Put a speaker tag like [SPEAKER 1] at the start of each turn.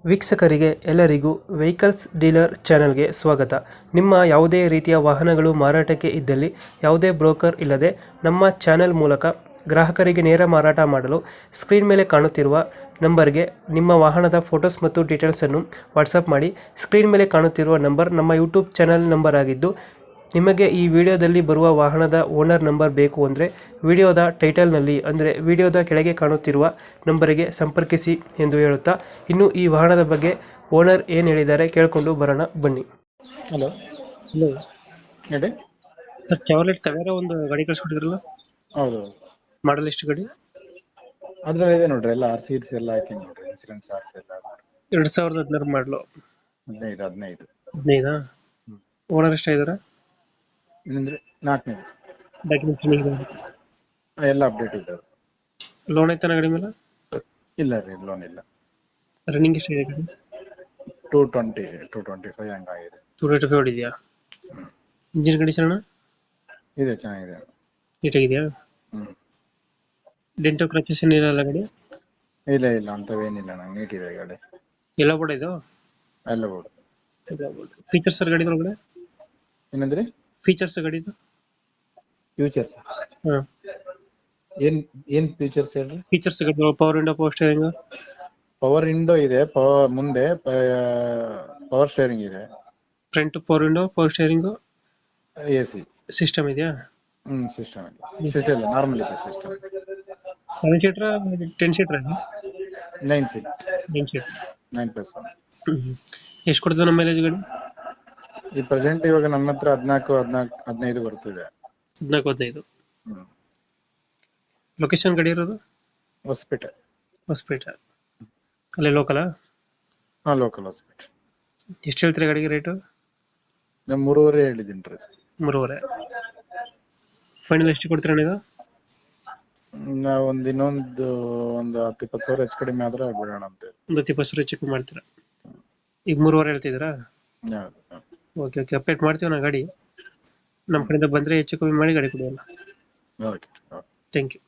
[SPEAKER 1] ವೀಕ್ಷಕರಿಗೆ ಎಲ್ಲರಿಗೂ vehicles dealer ಚಾನೆಲ್ಗೆ ಸ್ವಾಗತ. ನಿಮ್ಮ ಯಾವುದೇ ರೀತಿಯ ವಾಹನಗಳು ಮಾರಾಟಕ್ಕೆ ಇದ್ದಲ್ಲಿ ಯಾವುದೇ ಬ್ರೋಕರ್ ಇಲ್ಲದೆ ನಮ್ಮ ಚಾನೆಲ್ ಮೂಲಕ ಗ್ರಾಹಕರಿಗೆ ನೇರ ಮಾರಾಟ ಮಾಡಲು ಸ್ಕ್ರೀನ್ ಮೇಲೆ ಕಾಣುತ್ತಿರುವ ನಂಬರ್ಗೆ ನಿಮ್ಮ ವಾಹನದ ಫೋಟೋಸ್ ಮತ್ತು ಡೀಟೇಲ್ಸನ್ನು ವಾಟ್ಸಪ್ ಮಾಡಿ. ಸ್ಕ್ರೀನ್ ಮೇಲೆ ಕಾಣುತ್ತಿರುವ ನಂಬರ್ ನಮ್ಮ ಯೂಟ್ಯೂಬ್ ಚಾನೆಲ್ ನಂಬರ್ ಆಗಿದ್ದು, ನಿಮಗೆ ಈ ವಿಡಿಯೋದಲ್ಲಿ ಬರುವ ವಾಹನದ ಓನರ್ ನಂಬರ್ ಬೇಕು ಅಂದರೆ ವಿಡಿಯೋದ ಟೈಟಲ್ನಲ್ಲಿ ಅಂದರೆ ವಿಡಿಯೋದ ಕೆಳಗೆ ಕಾಣುತ್ತಿರುವ ನಂಬರಿಗೆ ಸಂಪರ್ಕಿಸಿ ಎಂದು ಹೇಳುತ್ತಾ, ಇನ್ನು ಈ ವಾಹನದ ಬಗ್ಗೆ ಓನರ್ ಏನು ಹೇಳಿದ್ದಾರೆ ಕೇಳಿಕೊಂಡು ಬರೋಣ ಬನ್ನಿ.
[SPEAKER 2] ಹಲೋ
[SPEAKER 1] ಹಲೋ
[SPEAKER 2] ಹೇಳಿ.
[SPEAKER 1] ಸರ್, ಚಾವ್ಲೆಟ್ ತವೇರ ಒಂದು ಗಾಡಿ ಕಳಿಸ್ಕೊಟ್ಟಿದ್ರಲ್ಲ,
[SPEAKER 2] ಹೌದು,
[SPEAKER 1] ಮಾಡಲ್ ಎಷ್ಟು ಗಾಡಿ?
[SPEAKER 2] ಅದ್ರಲ್ಲಿ ಇದೆ ನೋಡ್ರಿ, ಎಲ್ಲ ಸೀಟ್ಸ್ ಎಲ್ಲ ಹಾಕಿ ನೋಡ್ರಿ, ಇನ್ಸೂರೆನ್ಸ್ ಆರ್ಸ್ ಎಲ್ಲ ನೋಡ್ರಿ.
[SPEAKER 1] 2016 ಮಾಡಲು.
[SPEAKER 2] 15
[SPEAKER 1] 15 ಓನರ್ ಎಷ್ಟಾಗಿದ್ದಾರೆ?
[SPEAKER 2] ಏನಂದ್ರೆ 4ನೇದು.
[SPEAKER 1] ಡಾಕ್ಯುಮೆಂಟ್ಸ್
[SPEAKER 2] ಎಲ್ಲ ಅಪ್ಡೇಟ್ ಇದೆ.
[SPEAKER 1] ಲೋನ್ ಐತಾನ ಗಾಡಿ ಮೇಲೆ?
[SPEAKER 2] ಇಲ್ಲ ರೀ, ಲೋನ್ ಇಲ್ಲ.
[SPEAKER 1] ರನ್ನಿಂಗ್ ಎಷ್ಟಾಗಿದೆ ಗಾಡಿ?
[SPEAKER 2] 225 ಹಂಗಾಗಿದೆ.
[SPEAKER 1] 285 ಹೊಡಿದೆಯಾ? ಇಂಜಿನ್ ಕಂಡೀಷನ್
[SPEAKER 2] ಇದೆ, ಚೆನ್ನಾಗಿದೆ.
[SPEAKER 1] ನೀಟಾಗಿದೆಯಾ? ಡೆಂಟೋ ಕ್ರಚಸ್ ಏನಿರಲ್ಲ ಗಾಡಿ?
[SPEAKER 2] ಇಲ್ಲ ಅಂತವೇನಿಲ್ಲ, ನಂಗೆ ನೀಟ್ ಇದೆ ಗಾಡಿ.
[SPEAKER 1] ಎಲ್ಲ ಬೋರ್ಡ್ ಇದು?
[SPEAKER 2] ಎಲ್ಲ ಬೋರ್ಡ್.
[SPEAKER 1] ಫೀಚರ್ಸ್ ಗಾಡಿ ಒಳಗಡೆ
[SPEAKER 2] ಏನಂದ್ರಿ?
[SPEAKER 1] ಫೀಚರ್ಸ್ ಗಾಡಿದು?
[SPEAKER 2] ಫ್ಯೂಚರ್ಸ್
[SPEAKER 1] ಹಾಂ,
[SPEAKER 2] ಏನ್ ಫ್ಯೂಚರ್ಸ್ ಹೇಳ್ರಿ?
[SPEAKER 1] ಫೀಚರ್ಸ್ ಗಾಡಿ power window, power steering,
[SPEAKER 2] power window ಇದೆ, ಮುಂದೆ ಪವರ್ ಸ್ಟೇರಿಂಗ್ ಇದೆ,
[SPEAKER 1] front power window, power steering,
[SPEAKER 2] AC
[SPEAKER 1] system ಇದೆಯಾ?
[SPEAKER 2] ಸಿಸ್ಟಮ್ ಇಲ್ಲ, ನಾರ್ಮಲ್ ಇದೆ system.
[SPEAKER 1] 7 seater 10 seater?
[SPEAKER 2] 9 seat,
[SPEAKER 1] 9 seater.
[SPEAKER 2] 9+1.
[SPEAKER 1] ಎಷ್ಟು ಕೊಡ್ತದೆ ನಮ್ಮ ಮೈಲೇಜ್ ಗಾಡಿ?
[SPEAKER 2] ಈ ಪ್ರೆಸೆಂಟ್ ಇವಾಗ ನಮ್ಮ ಹತ್ರ 14-15 ಬರ್ತಿದೆ.
[SPEAKER 1] 14-15. ಲೊಕೇಶನ್ ಗಾಡಿ ಇರೋದು?
[SPEAKER 2] ಹೊಸಪೇಟೆ.
[SPEAKER 1] ಹೊಸಪೇಟೆ ಅಲ್ಲೇ ಲೋಕಲಾ?
[SPEAKER 2] ಹಾ, ಲೋಕಲ್ ಹೊಸಪೇಟೆ.
[SPEAKER 1] ಎಷ್ಟು ಹೇಳ್ತೀರಿ ಗಾಡಿಗೆ ರೇಟು?
[SPEAKER 2] ನಾನು 3.5 ಹೇಳಿದ್ದೀನಿ ರೀ.
[SPEAKER 1] 3.5. ಫೈನಲ್ ಎಷ್ಟು ಕೊಡ್ತೀರಾ ನೀವು?
[SPEAKER 2] ನಾವು ಇನ್ನೊಂದು 10-20 ಸಾವಿರ ಹೆಚ್ಚು ಕಡಿಮೆ ಆದ್ರೆ ಬಿಡೋಣ ಅಂತ.
[SPEAKER 1] ಒಂದು 20 ಸಾವಿರ ಹೆಚ್ಚು ಮಾಡ್ತೀರಾ? ಈಗ 3.5 ಹೇಳ್ತಿದ್ದೀರಾ? ಓಕೆ, ಅಪ್ಡೇಟ್ ಮಾಡ್ತೀವಿ ನಾ ಗಾಡಿ. ನಮ್ಮ ಕಡೆಯಿಂದ ಬಂದರೆ ಹೆಚ್ಚು ಕಮ್ಮಿ ಮಾಡಿ ಗಾಡಿ ಕೊಡುವಲ್ಲ.
[SPEAKER 2] ಓಕೆ.
[SPEAKER 1] Thank you.